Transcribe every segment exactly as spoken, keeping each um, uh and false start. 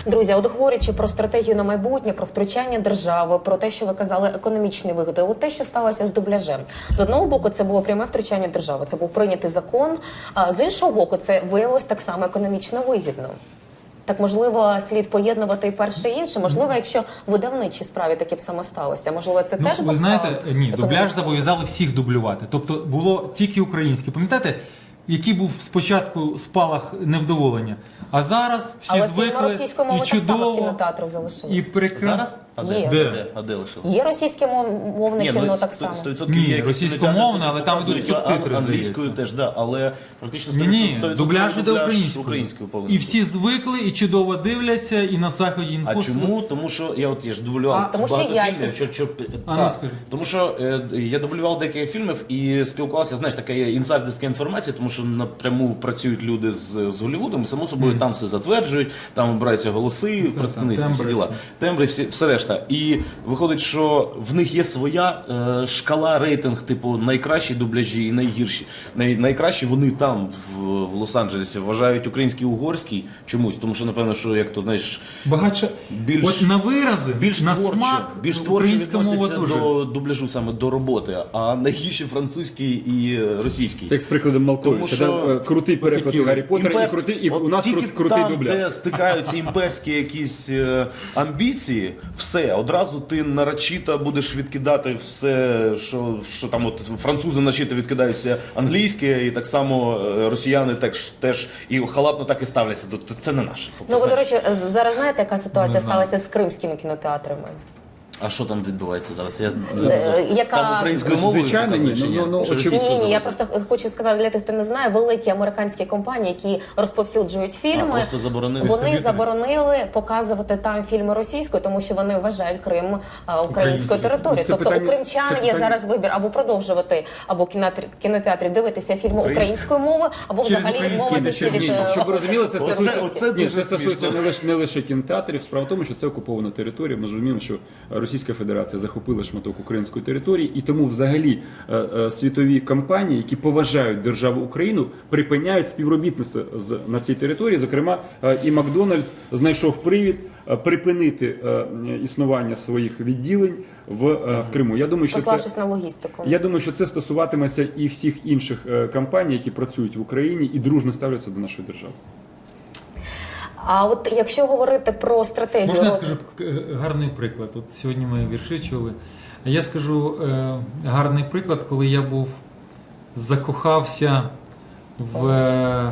Друзі, от говорячи про стратегію на майбутнє, про втручання держави, про те, що ви казали, економічні вигоди, от те, що сталося з дубляжем. З одного боку, це було пряме втручання держави, це був прийнятий закон, а з іншого боку, це виявилось так само економічно вигідно. Так, можливо, слід поєднувати і перше, і інше. Можливо, якщо в видавничій справі таке б саме сталося. Можливо, це ну, теж ви знаєте, ні, дубляж економічно. зобов'язали всіх дублювати. Тобто було тільки українське. Пам'ятаєте, який був спочатку спалах невдоволення? А зараз всі Але звикли російською мовою і так само в чудово, кінотеатрах залишилось. і прекрасно. Зараз? А де? Є. Де? А де лишилось? Є російське мов... мовне Ні, кіно ну, так само. сто відсотків Ні, є якісь російськомовне, кінотеатри, але там показують, йдуть субтитри, а- англійською здається. теж, да, але практично Ні, ні, сто відсотків дубляж іде українською. українською повинен І бути. всі звикли, і чудово дивляться, і на заході А інфо. чому? Тому що я от я ж дублював А, тому що багато якість. фільмів. Що, що, А, та, ну, скажи. тому що е, я дублював декілька фільмів і спілкувався, знаєш, така є інсайдерська інформація, тому що напряму працюють люди з, з Голлівудом, і само собою mm. там все затверджують, там обираються голоси, представництво, всі тембри, діла. Тембри, всі, все решта. І виходить, що в них є своя е, шкала, рейтинг, типу найкращі дубляжі і найгірші. Най, найкращі вони там, в, в Лос-Анджелесі, вважають український, угорський чомусь, тому що, напевно, що як то, знаєш, Багатше, більш, от на вирази, більш на творче, смак, більш творче українська мова відносяться дуже. до дубляжу, саме до роботи, а найгірші французький і російський. Це як з прикладом Малковича. Тому що- Да? Крутий переклад Хотів. Гаррі Поттера і, Імперський- крутий, і от у нас тільки крут, крутий там, дубляж. де стикаються імперські якісь е, амбіції, все, одразу ти нарочито будеш відкидати все, що, що там от французи начито відкидають все англійське, і так само е, росіяни теж, теж і халатно так і ставляться. Тобто це не наше. Тобто, Ну, ви, до знаєш, речі, зараз знаєте, яка ситуація Не знаю. сталася з кримськими кінотеатрами? а що там відбувається зараз? Я Е, яка- Там українською мовою Звичайно, ні, показують чи ну, ну, Чи очевидно. російською Ні, ні, я залишилось? просто хочу сказати для тих, хто не знає, великі американські компанії, які розповсюджують А, фільми, просто заборонили вони дистриб'ютори. заборонили показувати там фільми російською, тому що вони вважають Крим а, українською Українською. територією. Це Тобто питання- у кримчан це є питання- зараз вибір або продовжувати, або в кінотеатрі, кінотеатрі дивитися фільми Українською. українською мовою, або Через взагалі український відмовитися не від... Ні, е, щоб ви розуміли, це Оце- стосується, оце ні, дуже це стосується смішно. не лише, не лише кінотеатрів. Справа в тому, що це окупована територія. Ми ж розуміємо, що Російська Федерація захопила шматок української території, і тому взагалі е, е, світові компанії, які поважають державу Україну, припиняють співробітництво з, на цій території. Зокрема, е, і Макдональдс знайшов привід е, припинити е, існування своїх відділень в, е, в Криму. Я думаю, що це Пославшись на логістику. Я думаю, що це стосуватиметься і всіх інших е, компаній, які працюють в Україні і дружно ставляться до нашої держави. А от якщо говорити про стратегію Можна я розвитку... скажу е, гарний приклад? От сьогодні ми вірші чули. А я скажу е, гарний приклад, коли я був закохався в е,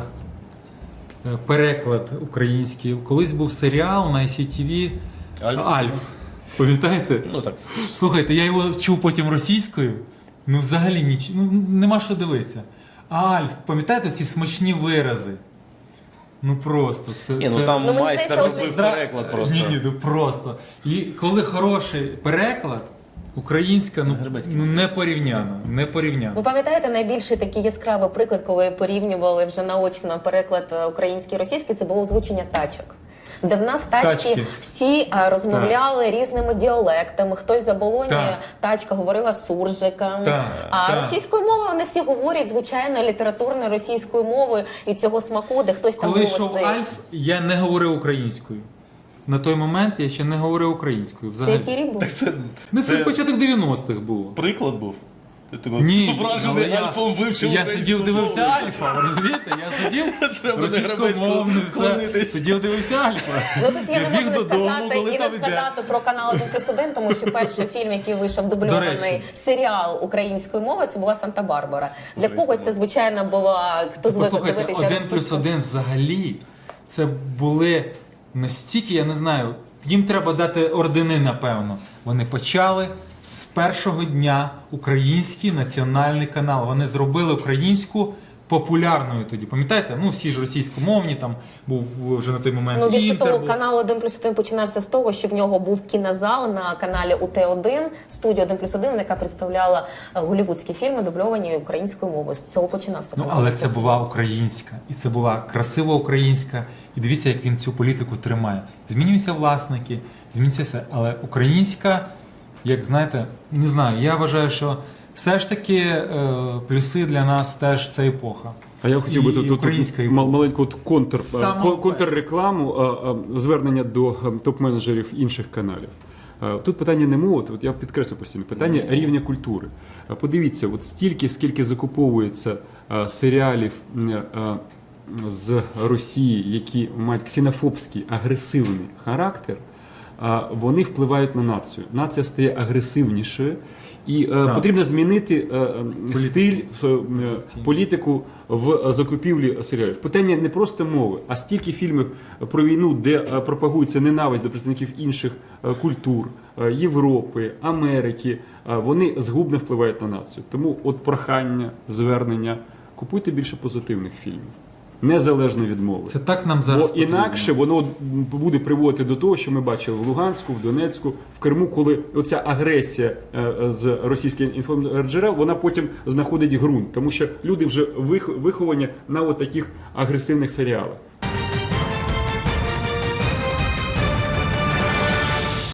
переклад український. Колись був серіал на ай сі ті ві Альф. Альф. Пам'ятаєте? Ну так. Слухайте, я його чув потім російською. Ну, взагалі ніч... ну, нема що дивитися. А Альф, пам'ятаєте ці смачні вирази? Ну просто. Це, Ні, ну це... там Ну, мені майстер здається, робив Зра- переклад просто. Ні, ні, ну просто. І коли хороший переклад, українська, ну, Гребецький ну не порівняно, не порівняно. Ви пам'ятаєте найбільший такий яскравий приклад, коли порівнювали вже наочно переклад е, український і російський, це було озвучення тачок. Де в нас тачки, Тачки. всі а, розмовляли різними діалектами. Хтось за Болоні, Так. тачка говорила суржиком. Так, А так. російською мовою вони всі говорять звичайно літературною російською мовою і цього смаку, де хтось там Коли голосний. йшов Альф, я не говорив українською. На той момент я ще не говорив українською. Це Взагалі. який рік був? Так це, Ну, це це початок дев'яностих було. приклад був. Ти тебе Ні, вражений але я- Альфом вивчив Я українську сидів, дивився мову. Альфа, розумієте? Я сидів Треба на російськомовний, Гребецького все. клонитись. Сидів, дивився Альфа. Ну тут я не біг можу не додому, сказати коли і не там іде. згадати про канал один плюс один, тому що перший фільм, який вийшов До дубльований речі. серіал українською мовою, це була Санта-Барбара. Для Українською когось це звичайно була хто звик Послухайте, дивитися один плюс російською. один взагалі це були настільки, я не знаю, їм треба дати ордени, напевно. Вони почали з першого дня український національний канал. Вони зробили українську популярною тоді. Пам'ятаєте? Ну, всі ж російськомовні, там був вже на той момент Ну, більше Інтер того, був. канал один плюс один починався з того, що в нього був кінозал на каналі У Т один, студія один плюс один, яка представляла е, голлівудські фільми, дубльовані українською мовою. З цього починався Ну, канал. але один це плюс була українська. І це була красива українська. І дивіться, як він цю політику тримає. Змінюються власники, змінюється все. Але українська, як знаєте, не знаю, я вважаю, що все ж таки е, плюси для нас теж це епоха. А я хотів би і тут, тут української мал- маленьку от контр, Саме кон- контррекламу, а, а, звернення до а, топ-менеджерів інших каналів. А, Тут питання не мови, от я підкреслю постійно, питання рівня культури. А, Подивіться, от стільки, скільки закуповується а, серіалів м, а, з Росії, які мають ксенофобський, агресивний характер, а, вони впливають на націю. Нація стає агресивнішою, і е, Так. потрібно змінити е, Політику. стиль, е, е, політику в закупівлі серіалів. Питання не просто мови, а стільки фільмів про війну, де е, пропагується ненависть до представників інших е, культур, е, Європи, Америки, е, вони згубно впливають на націю. Тому от прохання, звернення, купуйте більше позитивних фільмів, незалежно від мови. Це так нам зараз Бо потрібно. інакше воно буде приводити до того, що ми бачили в Луганську, в Донецьку, в Криму, коли оця агресія е, з російських інформджерел, вона потім знаходить ґрунт, тому що люди вже вих- виховані на от таких агресивних серіалах.